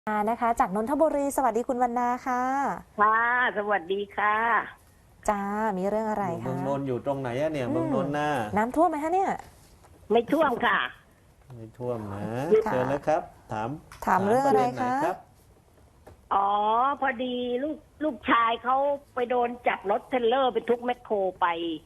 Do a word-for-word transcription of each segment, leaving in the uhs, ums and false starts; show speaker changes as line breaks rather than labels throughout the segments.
นะคะจากนนทบุรีสวัสดีคุณวรรณาค่ะ
ค่ะสวัสดีค่ะ
จ้ามีเรื่องอะไร
เมื
คะ
องนนท์อยู่ตรงไหนอะเนี่ยเมืองนนท์น่ะ
น้ำท่วมไหมคะเนี่ย
ไม่ท่วมค่ะ
ไม่ท่วมนะ
ค่ะ
เชิญนะครับ ถาม
ถามเรื่องอะไร
ปด็นหน
คะ
รับ
อ๋อพอดีลูกลูกชายเขาไปโดนจับรถเทรลเลอร์ไปทุกแมคโครไป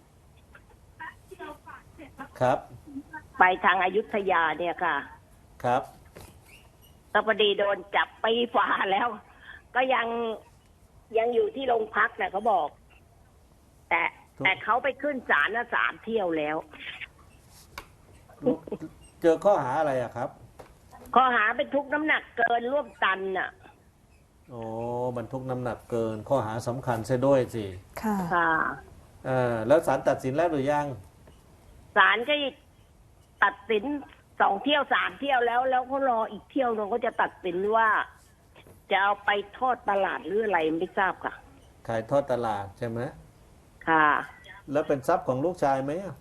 ครับ
ไปทางอายุทยาเนี่ยค่ะ
ครับ
ก็พอดีโดนจับปีฝ่าแล้ว ก็ยังยังอยู่ที่โรงพักนะเขาบอก แต่แต่เขาไปขึ้นศาลนะสามเที่ยวแล้ว
เจอข้อหาอะไรอะครับ
ข้อหาเป็นทุกน้ำหนักเกินร่วมตันน่ะ
โอ้บรรทุกน้ำหนักเกินข้อหาสำคัญเสียด้วยสิ
ค่ะ
ค่ะ
เออแล้วศาลตัดสินแล้วหรือยัง
ศาลก็ตัดสินสองเที่ยวสามเที่ยวแล้ว แล้วเขารออีกเที่ยวนึงเขาจะตัดสินว่า จะเอาไปทอดตลาดหรืออะไรไม่ทราบค่ะ
ขายทอดตลาดใช่ไหม
ค่ะ
แล้วเป็นทรัพย์ของลูกชายไหมอะ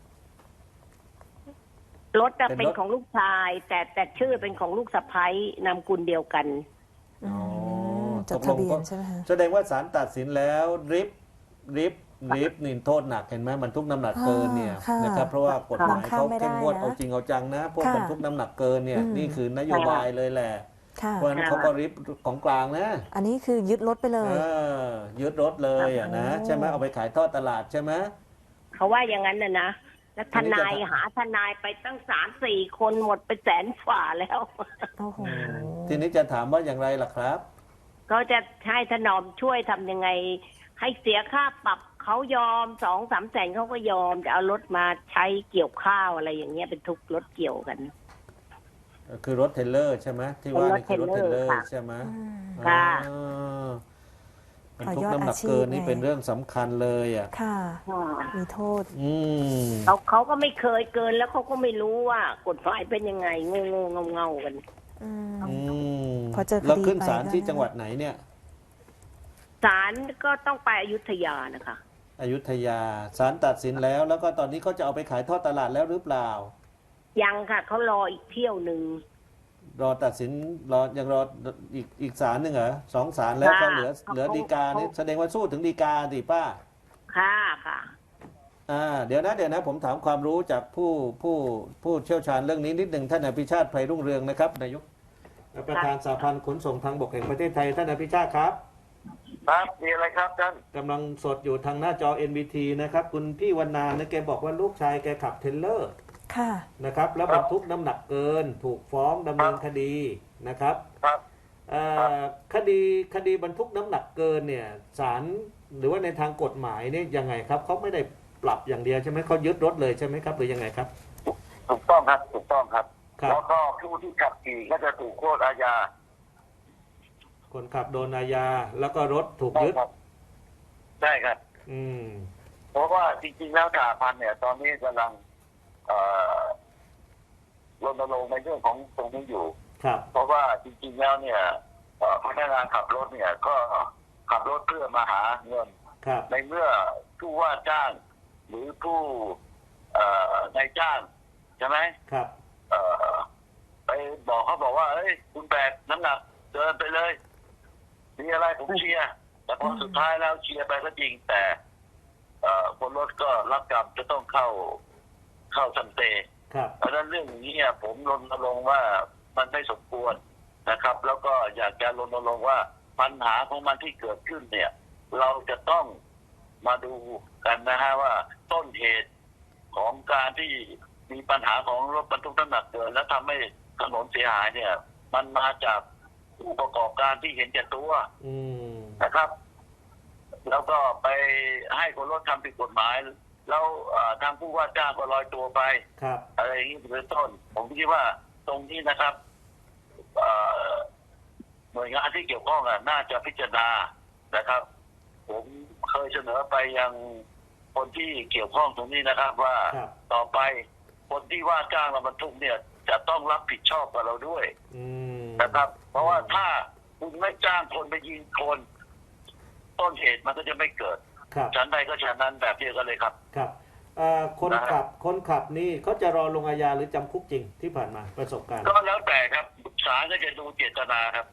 รถจะ
เป็นรถ
เป็นของลูกชาย แต่แต่ชื่อเป็นของลูกสะใภ้นามกุลเดียวกัน
อืม
อ๋อ
จดทะเบียนใช่ไหมคะ
แสดงว่าศาลตัดสินแล้วริบริบริบนี่โทษหนักเห็นไหมบรรทุกน้ำหนักเกินเนี่ย
ค่ะ
นะครับเพราะว่ากฎหมาย
บังคับ
เขา
ไม่ได้
เข้มงวด
นะ
เอาจริงเอาจังนะ พวก
ค่ะ
บรรทุกน้ำหนักเกินเนี่ย
อืม
นี่คือนโยบายเลยแหละ
ค่ะ
เพราะฉะนั้นเขาก็ริบของกลางนะ
อันนี้คือยึดรถไปเล
เอย อยึดรถเลยอ่ะนะ
โอ้
ใช่ไหมเอาไปขายทอดตลาดใช่ไหม
เขาว่าอย่างนั้นนะนะแล้วทนาย
อันนี้จะ
หาทนายไปตั้งสามสี่คนหมดไปแสนฝ่าแล้ว
โอ้โห
ทีนี้จะถามว่าอย่างไรล่ะครับ
ก็จะให้ถนอมช่วยทำยังไง ให้เสียค่าปรับเขายอมสองสามแสนเขาก็ยอมจะเอารถมาใช้เกี่ยวข้าวอะไรอย่างเงี้ยเป็นทุกรถเกี่ยวกัน
คือรถเทรลเลอร์ใช่ไหมที่ว่านี่คือรถเทรลเลอร์ใช่ไหม
อืม
ค่ะ
อ๋อบรรทุก
ต่อยอด
น้ำหนัก
อาชีพ
เกินนี่
ไง
เป็นเรื่องสำคัญเลยอ่ะ
ค่ะ มีโทษ
อืม
เขาเขาก็ไม่เคยเกินแล้วเขาก็ไม่รู้ว่ากฎหมายเป็นยังไงงงงเงาๆกัน
อืม
อืม
พอเจอคดี
แล้วขึ้นศาล
ไปก็
ที่จังหวัดไหนเนี่ย
ศาลก็ต้องไปอยุธยานะคะ
อยุธยาศาลตัดสินแล้ว แล้วก็ตอนนี้เขาจะเอาไปขายทอดตลาดแล้วหรือเปล่า
ยังค่ะเขารออีกเที่ยวหนึ่ง
รอตัดสินรอยังรออีกอีกศาลหนึ่งเหรอสองศาลแล้วก็เหลือ
ค่ะ
เหลือ
เขา
ฎีกานี่
เขา
แสดงว่าสู้ถึงฎีกาดิป้า
ค่ะค่ะ
อ่าเดี๋ยวนะเดี๋ยวนะผมถามความรู้จากผู้ผู้ผู้เชี่ยวชาญเรื่องนี้นิดหนึ่งท่านอภิชาติไพรุ่งเรืองนะครับนายกประธานสหพันธ์ขนส่งทางบกแห่งประเทศไทยท่านอภิชาติครับ
ครับมีอะไรครับท่าน
กำลังสดอยู่ทางหน้าจอ เอ็น บี ที นะครับคุณพี่วรรณาเนี่ยแกบอกว่าลูกชายแกขับเทรลเลอร์
ค่ะ
นะครับแล้วบรรทุกน้ำหนักเกิน ถูกฟ้องดำเนินคดีนะครับ
ครับ
เอ่อคดีคดีบรรทุกน้ำหนักเกินเนี่ยศาลหรือว่าในทางกฎหมายเนี่ยยังไงครับเขาไม่ได้ปรับอย่างเดียวใช่ไหมเขายึดรถเลยใช่ไหมครับหรือยังไงครับ
ถูกต้องครับถูกต้องครับ
ครับ
แล้วก็ผู้ที่ขับขี่ก็จะถูกโทษอาญา
คนขับโดนอาญาแล้วก็รถถูก
ใช่
ยึด
ครับใช่ครับ
อืม
เพราะว่าจริงๆแล้วสหพันธ์เนี่ย ตอนนี้กำลังเอ่อรณรงค์ในเรื่องของตรงนี้อยู่
ครับ
เพราะว่าจริงๆแล้วเนี่ยเอ่อพนักงานขับรถเนี่ย ก็ขับรถเพื่อมาหาเงิน
ครับ
ในเมื่อผู้ว่าจ้าง หรือผู้เอ่อนายจ้างใช่ไหม
ครับ
เอ่อไปบอกเขาบอกว่าเอ้ยคุณแบกน้ำหนักเดินไปเลยมีอะไรผมเชียร์แต่พอสุดท้ายแล้วเชียร์ไปก็จริงแต่ เอ่อคนรถก็รับกรรมจะต้องเข้าเข้าสันเต
ครับ
เพราะฉะนั้นเรื่องนี้เนี่ยผมรณรงค์ว่ามันไม่สมควรนะครับ แล้วก็อยากจะรณรงค์ว่าปัญหาของมันที่เกิดขึ้นเนี่ย เราจะต้องมาดูกันนะฮะว่าต้นเหตุของการที่มีปัญหาของรถบรรทุกน้ำหนักเกินและทำให้ถนนเสียหายเนี่ย มันมาจากผู้ประกอบการที่เห็นแก่ตัว
อืม
นะครับ แล้วก็ไปให้คนรถทำผิดกฎหมาย แล้วเอ่อทางผู้ว่าจ้างก็ลอยตัวไป
ครับ
อะไรอย่างนี้เป็นต้น ผมคิดว่าตรงนี้นะครับเอ่อหน่วยงานที่เกี่ยวข้องอะน่าจะพิจารณานะครับ ผมเคยเสนอไปยังคนที่เกี่ยวข้องตรงนี้นะครับ ว่า
ครับ
ต่อไปคนที่ว่าจ้างเราบรรทุกเนี่ย จะต้องรับผิดชอบกับเราด้วย
อืม
นะครับ เพราะว่าถ้าคุณไม่จ้างคนไปยิงคน ต้นเหตุมันก็จะไม่เกิด
ครับ
ชั้นใดก็ชั้นนั้นแบบเดียวกันเลยครับ
ครับเอ่อคนขับคนขับนี่เขาจะรอลงอาญาหรือจำคุกจริงที่ผ่านมาประสบการณ์
ก็แล้วแต่ครับศาลก็จะดูเจตนาครับ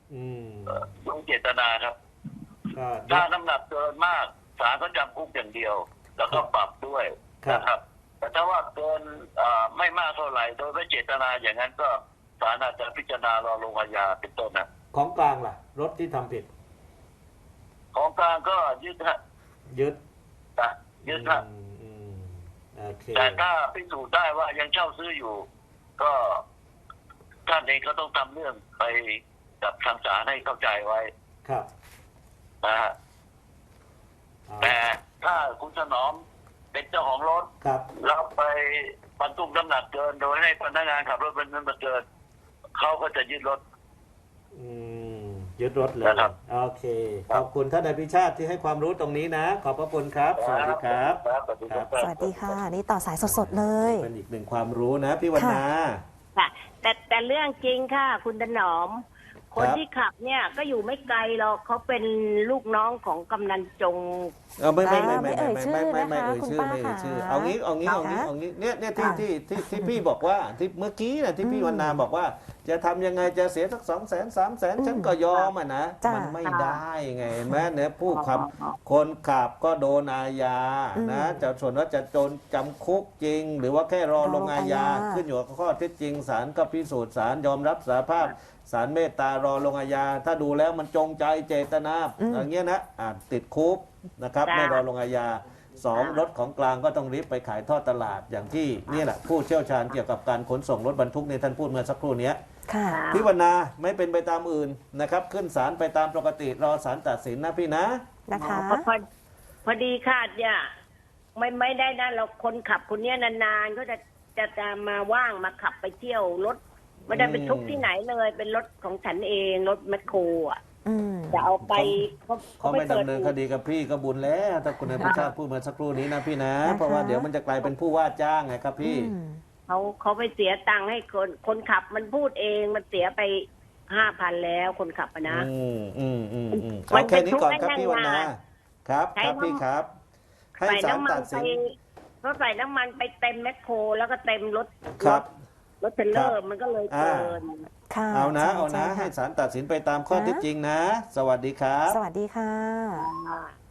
อืม
ลงเจตนาครับ
ก็
ถ้าน้ำหนักเกินมากศาลก็จำคุกอย่างเดียว แล้วก็ปรับด้วยนะครับ แต่ถ้าว่าเกินอ่าไม่มากเท่าไหร่โดยไม่เจตนาอย่างนั้นก็ศาลอาจจะพิจารณารอลงอาญาเป็นต้นนะ
ของกลางล่ะ รถที่ทำผิด
ของกลางก็ยึดฮะ
ยึด
นะยึดฮะ
อืมอืมโอเค
แต่ถ้าพิสูจน์ได้ว่ายังเช่าซื้ออยู่ ก็ท่านเองก็ต้องทำเรื่องไปกับทางศาลให้เข้าใจไว้
ครับ
นะฮะ
เอา
แต่ถ้าคุณถนอมเป็นเจ้าของรถ
ครับ
แล้วไปบรรทุกน้ำหนักเกิน โดยให้พนักงานขับรถบรรทุกมาเกินเขาก็จะยึดรถ
อืมยึดรถเลย
นะครับ
โอเค
ครั
ข
บ
อบคุณท่านนายพิชาติที่ให้ความรู้ตรงนี้นะ ขอบพระคุณครับ สวัสดีครับ
ครับสวัสดีครับ
สวัสดีค่ะ นี่ต่อสายสดๆเลย
เป็นอีกหนึ่งความรู้นะพี่วรรณา
ค่ะ แต่แต่เรื่องจริงค่ะ คุณถนอม คน
ครับ
ที่ขับเนี่ยก็อยู่ไม่ไกลหรอกเขาเป็นลูกน้องของกำนันจง
เออไม่ไม่ไม่
อ่า
ไม่
ไม่เอ่ยชื่อ
ไม่ไม่ไม่
นะคะ
เอ่ย
คุณ
ชื่อ
ป้า
ไม่เอ่ย
ค่ะ
ชื่อเอางี้เอางี้เอางี้
ค่ะ
เอางี้เนี่ยเนี่ยที่
ค่ะ
ที่ที่ที่พี่บอกว่าที่เมื่อกี้นะที่พี่
อืม
วรรณาบอกว่าจะทำยังไงจะเสียสักสองแสนสามแสน
อืม
ฉันก็ยอมอ่ะนะ
จ้ะ
มันไม่ได้ไงเห็นไหมเนี่ยผู้
อ๋อ
ขับ
อ๋อ
คนขับก็โดนอาญา
อืม
นะจะส่วนว่าจะโดนจำคุกจริง หรือว่าแค่รอ
รอ
ลงอาญา
ลงอาญา
ขึ้นอยู่กับข้อเท็จจริงศาลก็พิสูจน์ศาลยอมรับสารภาพศาลเมตตารอลงอาญาถ้าดูแล้วมันจงใจเจตนาอย่างเงี้ยนะอาจติดคุกนะครับไม่รอลงอาญาสองรถของกลางก็ต้องรีบไปขายทอดตลาดอย่างที่นี่แหละผู้เชี่ยวชาญเกี่ยวกับการขนส่งรถบรรทุกในท่านพูดเมื่อสักครู่เนี้ย
ค่ะ
พี่วรรณาไม่เป็นไปตามอื่นนะครับ ขึ้นศาลไปตามปกติรอศาลตัดสินนะพี่นะ
นะคะ
พอพอพอดีค่ะเนี่ยไม่ไม่ได้นะเราคนขับคนเนี้ยนานๆก็จะจะจะมาว่างมาขับไปเที่ยวรถไม่ได้ไปทุกที่ไหนเลย เป็นรถของฉันเองรถแมคโครอ่ะ
อืม
จะเอาไปเขา
เขาไม่
ปิ
ดำเนินคดีกับพี่ก็บุญแล้วถ้าคุณนายพิชาติพูดเมื่อสักครู่นี้นะพี่นะ เพราะว่าเดี๋ยวมันจะกลายเป็นผู้ว่าจ้างไงครับพี่
อืม
เขาเขาไปเสียตังค์ให้คนคนขับมันพูดเองมันเสียไปห้าพันแล้วคนขับอะนะ
อืมอืมอืมอืม
มั
เอา
น
แค่นี้ก่อนครับ
เป็นทุกข์
พี่วรรณา
ได้
ครับ
ใช้
ครับพี่
น้ำ
ครับ ให้
ใส่
ศาล
น้ำมั
ตั
น
ด
ไป
สิน
ก็ใส่น้ำมันไปเต็มแมคโครแล้วก็เต็มรถ
ครับ
รถเทรลเลอ
ครั
ร์
บ
มันก็เลย
อ่า
เกิน
ค่ะ
เอานะ
ใช่
เอานะ
ใช่
ให้
ค่
ศาลตัดสินไปตามข้อ
นะ
เท็จจริงนะ สวัสดีครับ
สวัสดีค่ะ
อ่า